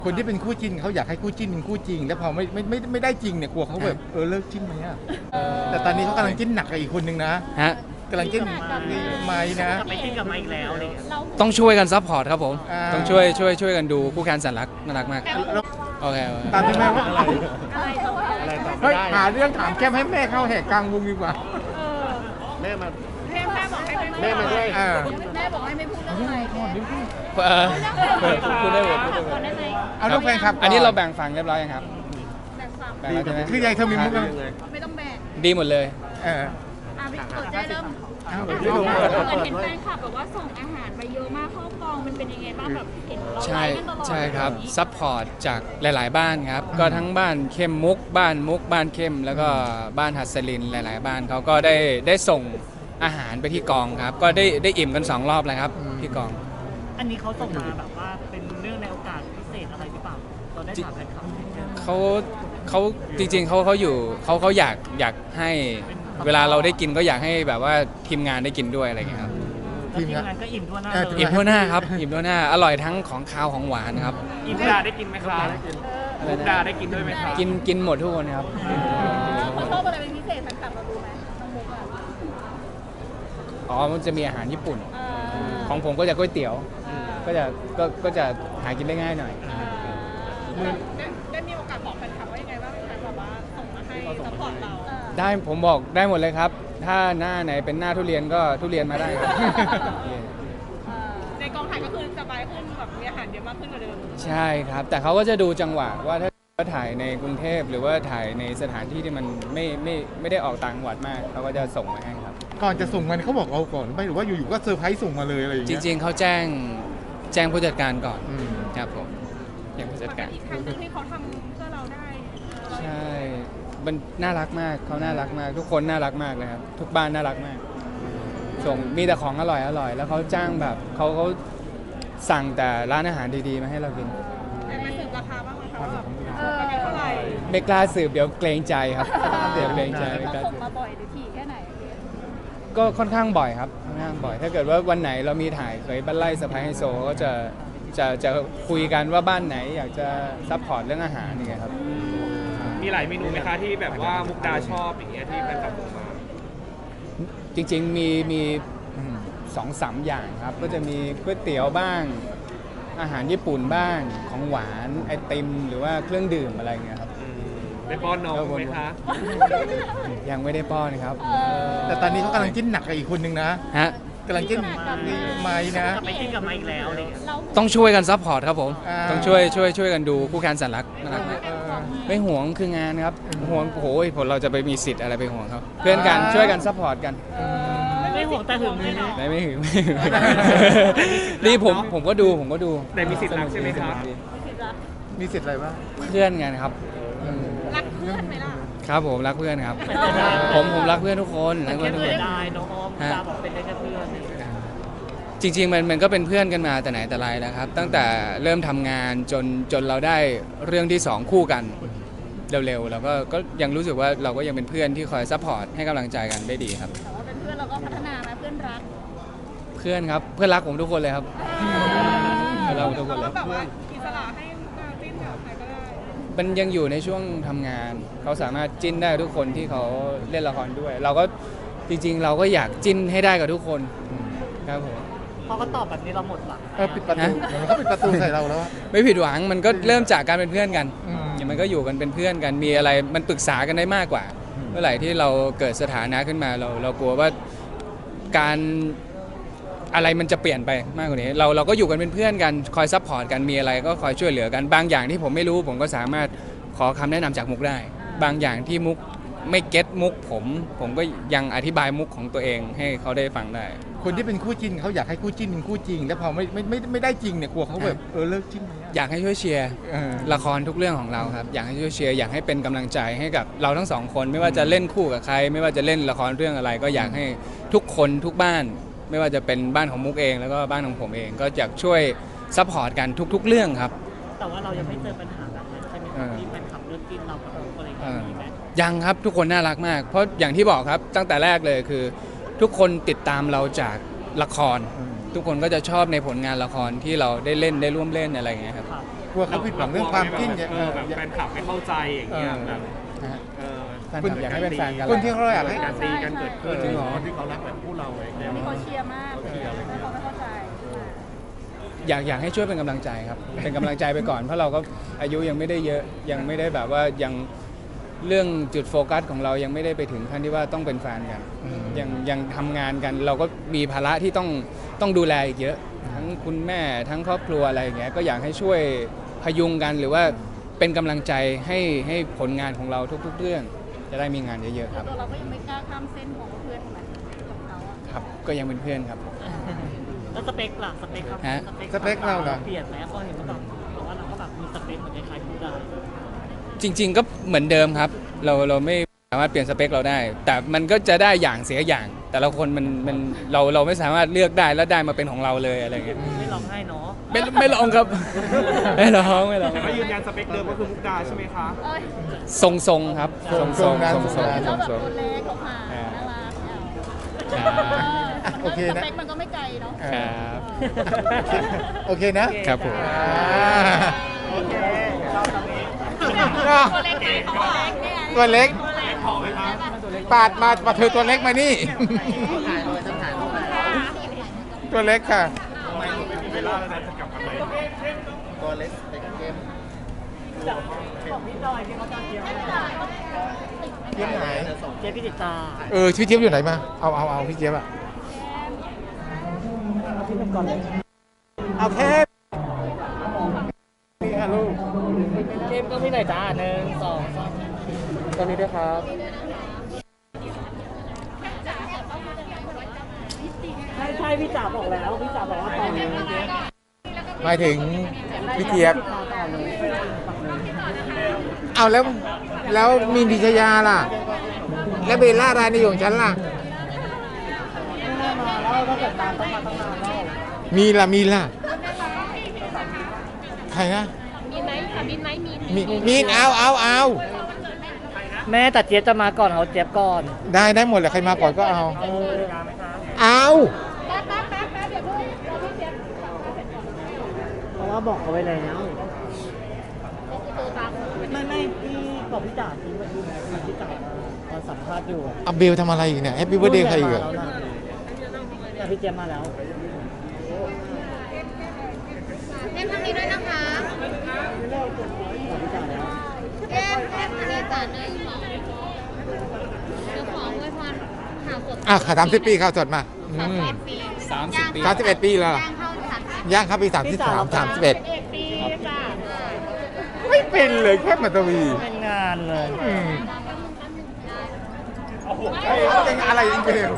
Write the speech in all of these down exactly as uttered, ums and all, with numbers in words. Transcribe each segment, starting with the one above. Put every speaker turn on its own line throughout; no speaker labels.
คนที่เป็นคู่จิ้นเขาอยากให้คู่จิ้นเป็นคู่จริงแล้วพอไม่ไม่ไม่ไม่ได้จริงเนี่ยกลัวเขาแบบเออเลิกจิ้นไหมอ่ะแต่ตอนนี้เขากำลังจิ้นหนักกับอีกคนนึงนะ
ฮะ
กำลังจิ้นไม้นะ
ไปจิ้นกับไม้อีกแล้วอะไรเงี้ย
ต้องช่วยกันซัพพอร์ตครับผม
อ่า
ต้องช่วยช่วยช่วยกันดูคู่แข่งสันรักน่ารักมากโอเคโอเค
ตามที่แม่ว่าอะไร
อะไรต่อไม่
เฮ้ย
ได้
หาเรื่องถามแก้มให้แม่เข้าแหกกลางวงดีกว่า
แม่มา
แม่แม่บอกให้ไม่
แม่มาด้วย
อ่า
แม่บอกให้ไม่พูดเรื่องอะไร
เออพูดได้หมดพูดได้หมด
ได้ไหม
เอาลูกแฟนคลับก่
อันนี้เราแบ่งฝั่งเรียบร้อยยังครับ
แบ่งฝั่ง
แบ่งแล้วใช่ไหม
คือยายเธอมีมุกอะไร
ไม่ต้องแบ่ง
ดีหมดเลย
เออ
อ่ะพี่เปิดได้เริ่ม
เอา
เห
เดี๋ยวดู
มือนเห็นแฟนคลับแบบว่าส่งอาหารไปเยอะมากเข้ากองมันเป็นยังไงบ้างแบบเห็นเรา
ใช่
ไลฟ์กันตลอด
ใช่ครับซัพพอร์ตจากหลาย ๆ บ้านครับก็ทั้งบ้านเข้มมุกบ้านมุกบ้านเข้ม แล้วก็บ้านหัสลินหลาย ๆ บ้านเขาก็ได้ได้ส่งอาหารไปที่กองครับก็ได้ได้อิ่มกันสองรอบแล้วครับที่กอง
อันนี้เขาส่งมาแบบว่าเป็นเรื่องในโอกาสพิเศษอะไรหรือเปล่าเราได้ถามแฟนคลับไหม
เขาเขาจริงๆเขาเขาอยู่เขาเขาอยากอยากให้เวลาเราได้กินก็อยากให้แบบว่าทีมงานได้กินด้วยอะไรอย่างเงี้ยครับ
แล้วทีมงานก็อิ่มทั่วหน้า
เออ
เลย
อิ่มทั่วหน้าครับอิ่มทั่วหน้าอร่อยทั้งของคาวของหวานครับ
อิ่มดาได้กินไหมครับมุกดาได้กินด้วยไหมครับ
กินกินหมดทุกคนครับ
เขาชอบอะไรเป็นพิเศษแฟนคลับเรารู้ไหมน้องมุกอ่ะ
อ๋อมันจะมีอาหารญี่ปุ่น
เออ
ของผมก็จะก๋วยเตี๋ยว ก็จะก็ก็จะหากินได้ง่ายหน่อย
ได้ได้มีโอกาสบอกแฟนคลับว่ายังไงบ้างแฟนคลับว่าส่งมาให้ซัพพอร์ตเรา
ได้ผมบอกได้หมดเลยครับ ถ้าหน้าไหนเป็นหน้าทุเรียนก็ทุเรียนมาได้ครับ
ในกองถ่ายก็คือสบายขึ้นแบบมีอาหารเยอะมากขึ้นกว่าเดิม
ใช่ครับ แต่เขาก็จะดูจังหวะว่าถ้าถ่ายในกรุงเทพหรือว่าถ่ายในสถานที่ที่มันไม่ไม่ไม่ได้ออกต่างจังหวัดมากเขาก็จะส่งมาให้ครับ
ก่อนจะส่งมันเขาบอกเราก่อนไม่หรือว่าอยู่ๆก็เซอร์ไพรส์ส่งมาเลยอะไรอย่าง
จ
เงี้ย
ริง ๆเขาแจ้งแจ้งผู้จัดการก่อน
อืม
ครับผมแจ้งผู้จัดการ
อีกครั้งหนึงที่เขาทำเพื่อเราได้
ใช่ มันน่ารักมากเขาน่ารักมาก ทุกคนน่ารักมากเลยครับ ทุกบ้านน่ารักมาก ส่งมีแต่ของอร่อยอร่อยแล้วเขาจ้างแบบเขาเขาสั่งแต่ร้านอาหารดีๆมาให้เรากิน
ได้มาสืบราคาบ้างไหมคะว่าแบบเออเท่าไหร่
ไม่กล้าสืบเดี๋ยวเกรงใจครับ เดี๋ยวเกรงใจไม่กล้า
ส่ง
สืบ
มาบ่อยหรือถี่แค่ไหน
ก็ค่อนข้างบ่อยครับค่อนข้างบ่อย ถ้าเกิดว่าวันไหนเรามีถ่ายเคยบ้านไร่สะพายไฮโซก็จะจะจะคุยกันว่าบ้านไหนอยากจะซัพพอร์ตเรื่องอาหารนี่ไงครับ
มีหลายเมนูไหมคะที่แบบว่ามุกดาชอบอย่างเงี้ยที่แฟนคลับส่งมา
จริงๆมีมีสองสามอย่างครับ ก็จะมีก๋วยเตี๋ยวบ้าง อาหารญี่ปุ่นบ้างของหวานไอติมหรือว่าเครื่องดื่มอะไรเงี้ยครับ
ได้ป้อนน้องไหมคะ
ยังไม่ได้ป้อนครับ
แต่ตอนนี้เขากำลังจิ้นหนักกับอีกคนนึงนะ
ฮะ
กำลังจิ้นไม้นะ
ไปจิ้นกับไม้อีกแล้วอะไรเงี้ย
ต้องช่วยกันซัพพอร์ตครับผม
อ่า
ต้องช่วยช่วยช่วยกันดูคู่แข่งสันรักน่ารักมาก
เออ
ไม่ห่วงคืองานครับห่วงโอ้ยผมเราจะไปมีสิทธิ์อะไรไปห่วงเขาเพื่อนกันช่วยกันซัพพอร์ตกัน
ไม่ห่วงแต่หึงเลยเนาะ
ไม่ไม่ถึงไม่ถึงนี่ผมผมก็ดูผมก็ดู
แต่มีสิทธิ์รักใช่ไหมครับ
มีสิทธิ์อะไรบ้าง
เพื่อนกันครับ
รักเพื่อนไหมล่ะ
ครับผมรักเพื่อนครับ ผมผมรักเพื่อนทุกคนรัก
แค่
เพื่อนทุก
เสี
ค
ย
น
ดายน้องออมตาบอกเป็นได้แค่เพื่อน
จริงๆมันมันก็เป็นเพื่อนกันมาแต่ไหนแต่ไรแล้วครับ ตั้งแต่เริ่มทำงานจนจนเราได้เรื่องที่สองคู่กันเร็วๆเราก็ก็ยังรู้สึกว่าเราก็ยังเป็นเพื่อนที่คอยซัพพอร์ตให้กำลังใจกันได้ดีครับ
แต่ว่าเป็นเพื่อนเราก็พัฒนานะเพื่อนรัก
เพื่อนครับเพื่อนรักผมทุกคนเลยครับ เราทุกคนเลย
แบบว่าอิสระให้มาจิ้นกับใครก็ได้
มันยังอยู่ในช่วงทำงาน เขาสามารถจิ้นได้ทุกคนที่เขาเล่นละครด้วย เราก็จริงๆ เราก็อยากจิ้นให้ได้กับทุกคนครับผม
พอเขาตอบแบบนี้เราหมดหวัง
เออปิดประตูเหมือนเขาปิดประตูใส่เราแล้วอะ
ไม่ผิดหวังมันก็เริ่มจากการเป็นเพื่อนกัน
อืม
อย่างมันก็อยู่กันเป็นเพื่อนกันมีอะไรมันปรึกษากันได้มากกว่า เมื่อไหร่ที่เราเกิดสถานะขึ้นมาเราเรากลัวว่าการอะไรมันจะเปลี่ยนไปมากกว่านี้ เราเราก็อยู่กันเป็นเพื่อนกันคอยซัพพอร์ตกันมีอะไรก็คอยช่วยเหลือกันบางอย่างที่ผมไม่รู้ผมก็สามารถขอคำแนะนำจากมุกได้ บางอย่างที่มุกไม่เก็ตมุกผม ผมก็ยังอธิบายมุกของตัวเองให้เขาได้ฟังได้
คนที่เป็นคู่จิ้นเขาอยากให้คู่จิ้นเป็นคู่จริงแล้วพอไม่ไม่ไม่ไม่ได้จริงเนี่ยกลัวเขาแบบเออเลิกจิ้นไหมอะ
อยากให้ช่วยเชียร์
เออ
ละครทุกเรื่องของเราครับอยากให้ช่วยเชียร์อยากให้เป็นกำลังใจให้กับเราทั้งสองคน ไม่ว่าจะเล่นคู่กับใคร ไม่ว่าจะเล่นละครเรื่องอะไร ก็อยากให้ทุกคนทุกบ้าน ไม่ว่าจะเป็นบ้านของมุกเองแล้วก็บ้านของผมเอง ก็อยากช่วยซัพพอร์ตกันทุก ๆ เรื่องครับ
แต่ว่าเรายังไม่เจอปัญหาแบบนั้นใช่ไหมครับที่แฟนคลับเลิกกินเรากับเราอะไรอย่างเงี้ยมีไหม
ยังครับทุกคนน่ารักมาก เพราะอย่างที่บอกครับตั้งแต่แรกเลยคือ ทุกคนติดตามเราจากละคร ทุกคนก็จะชอบในผลงานละครที่เราได้เล่นได้ร่วมเล่นอะไรอย่างเงี้ยครับ
ครับ
กลัวเขาผิดหวังเรื่องความจิ้นเนี่ย
เออแบบแฟนคลับไม่เข้าใจอย่างเงี้ยแบบ
นะฮะ
เออ
แฟนคลับอยากให้เป็นแฟนกัน
คนที่เขาอยากให้
การตีกันเกิดขึ้น
จริงเหรอ
ที่เขารักแบบคู่เราเลย
มีคนเชียร์มากแล้วเขาไม่เข้าใจ
อยากอยากให้ช่วยเป็นกำลังใจครับ เป็นกำลังใจไปก่อน เพราะเราก็อายุยังไม่ได้เยอะ ยังไม่ได้แบบว่ายังเรื่องจุดโฟกัสของเรายังไม่ได้ไปถึงขั้นที่ว่าต้องเป็นแฟนกัน ยังยังทำงานกัน เราก็มีภาระที่ต้องต้องดูแลอีกเยอะ ทั้งคุณแม่ทั้งครอบครัวอะไรอย่างเงี้ย ก็อยากให้ช่วยพยุงกันหรือว่าเป็นกำลังใจให้ให้ผลงานของเราทุก ๆ เรื่อง จะได้มีงานเยอะๆครับ
ตัวเราก็ยังไม่กล้าข้ามเส้นของเพื่อนของมันกับเขาอะ
ครับ ก็ยังเป็นเพื่อนครับ
แล้วสเปคล่ะสเปคครับ
ฮะ
สเปคเราเหรอ
เปลี่ยนไหมเพราะเห็นว่าแบบบอกว่าเราก็แบบมีสเปคเหมือนคล้ายๆคุณได้
จริง ๆ ก็เหมือนเดิมครับ เราเราไม่สามารถเปลี่ยนสเปคเราได้ แต่มันก็จะได้อย่างเสียอย่าง แต่ละคนมันมันเราเราไม่สามารถเลือกได้แล้วได้มาเป็นของเราเลยอะไรเงี้ย
ไม่ร้องไห้เนาะ
ไม่ไม่ลองครับ ไม่ลองไม่ลอง
แต่ก็ยืนยันสเปคเดิมก็คือมุกดาใช่ไหมคะ
เอ้ย
ทรงทรงๆครับทรงทรงทรงทรง
แล้ว
ทรง
แบบ
ทรง
ตัวเล็กเขาผ่านน่ารักเนี่ย
ครับ
อ่ะโอเคนะ
สเปคมันก็ไม่ไกลเนาะ
ครับ
โอเคนะครับ
ผม
อ่า
โอเคชอบตรงนี้
ตัวเล็กไหมเขาบอกเล็กเนี่ย
ตัวเล็ก
ตัวเล็ก
ขอไหมคะ
ปาดมาปาดเธอตัวเล็กมานี่ ตัวเล็กค่ะ
เวลาแล้วนะจะกลับมาไหม
ตัวเล็กเล็กเกม
บอกพี่หน่อยที่เขาจะเทียม
เจี๊ยบไหน
เจพี่ติดตา
เออชื่อเจี๊ยบอยู่ไหนมา เอาเอาเอาพี่เจี๊ยบอะ
พี่เป็นก่อนเลย
เอาแค่นี่ฮะลูก
เจมก็พี่หน่อยจ้าหนึ่งสองสามตอนนี้ด้วยครับใช่ใช่พี่จ๋าบอกแล้วพี่จ๋าบอกว่าตอนนี้
หมายถึงพี่เจี๊ยบ
ต่อเลย
เอาแล้วแล้วมีนพิชยาล่ะ แล้วเบลล่ารานีของฉันล่ะ
ไม่น่ามาแล้วถ้าเกิดนานต้องมาต้องนานแล้ว
มีล่ะมีล่ะ ใครนะ
มีไหมค่ะมีไหมมี
มีมีนเอาเอาเอา
แม่แต่เจี๊ยบจะมาก่อนเขาเจี๊ยบก่อน
ได้ได้หมดแหละใครมาก่อนก็เอา
เออ
เอา
แป๊บแป๊บแป๊บแป๊บเดี๋ยวพูดเราพี่เจี๊ยบ
เพราะว่าบอกเขาไว้แล้ว
ตัวตาม
ไม่ไม่พี่บอกพี่จ๋าทิ้งไว้ที่ไหนพี่จ๋าตอนสัมภาษณ์อยู่อะ
เอาเบลทำอะไรอีกเนี่ยแฮปปี้เบิร์ดเดย์ใครอีกอะ
แต่พี่เจี๊ยบมาแล้ว
เล่นทางนี้ด้วยนะคะ
บอกพี่จ๋าแล้ว
เล่นเล่นทางนี้จ่าหนึ่งสองเดี๋ยวขออวยพรข่าวสด
อ่ะขาสามสิบปีข่าวสดมาอืม
สามสิบปี
สามสิบเอ็ดปีแล้ว
ย่างเข้าสามสิบ
ย่างครับปีสามสิบสามสามสิบเอ็ด
เอ็ดปีจ้ะ
ไม่เป็นเลยแค่มาตวี
เป็นงานเลย
อืมเฮ้ยเป็นอะไรจริง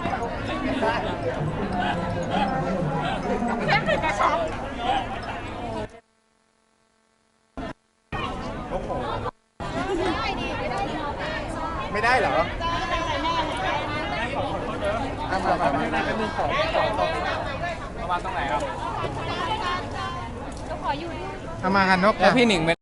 ๆไม่ได้เหรอเอามามามา
ประมาณตรงไหนครับ
เอามากันนก
แล้ว
ค่ะ
พี่หนิง